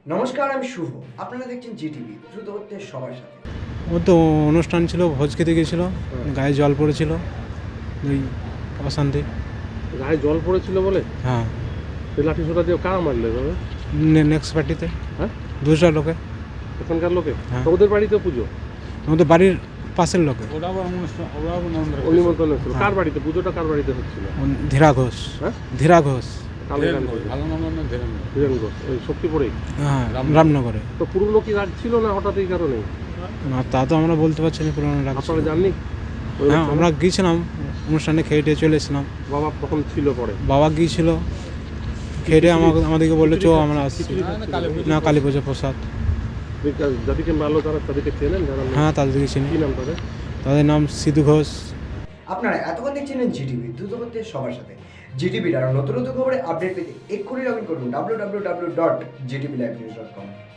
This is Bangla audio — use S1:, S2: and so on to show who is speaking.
S1: নমস্কার, আমি শুভ। আপনারা দেখছেন জিটিভি, দ্রুত হচ্ছে সবার সাথে।
S2: ও তো অনুষ্ঠান ছিল, ভোজ খেতে গেছিল, গায়ে জল পড়েছিল, ওই অশান্তি।
S3: গায়ে জল পড়েছিল বলে
S2: হ্যাঁ,
S3: লাঠি সোটা দিয়ে কারা মারলে এভাবে?
S2: নেক্সট পার্টিতে
S3: হ্যাঁ,
S2: দুসরা লোকে।
S3: এখানকার লোকে?
S2: হ্যাঁ।
S3: তো ওদের বাড়িতে পুজো,
S2: আমাদের বাড়ির পাশের লোকে।
S3: নিমন্ত্রণ হচ্ছিল। কার বাড়িতে পুজোটা, কার বাড়িতে হচ্ছিল?
S2: ধীরা ঘোষ।
S3: হ্যাঁ,
S2: ধীরা ঘোষ।
S3: ধীরেন ঘোষ, ওই শক্তিপুরেই।
S2: হ্যাঁ, রামনগরে।
S3: তো পুরনো কি রাগ ছিল না হঠাৎ এই কারণে?
S2: না, তা তো আমরা বলতে পারছি না পুরোনো রাগ ছিল।
S3: আপনারা জাননি? ওই
S2: হ্যাঁ,
S3: অনুষ্ঠানে?
S2: আমরা গিয়েছিলাম অনুষ্ঠানে, খেয়ে টেয়ে চলে এসেছিলাম।
S3: বাবা তখন ছিল পরে?
S2: বাবা গিয়েছিল, খেয়ে আমাদেরকে বললো চো আমরা আসছি। না, কালী পুজো প্রসাদ।
S3: যাদেরকে মারলো তারা তাদেরকে চেনেন? যারা
S2: হ্যাঁ, তাদেরকে চিনি।
S3: কি নাম তাদের?
S2: তাদের নাম সিধু ঘোষ।
S1: আপনারা এতক্ষণ দেখছিলেন জিটিভি, দ্রুত হচ্ছে সবার সাথে। জিটিভির আরও নতুন নতুন খবরে আপডেট পেতে এক্ষুনি লগ ইন করুন www.gtblivenews.com।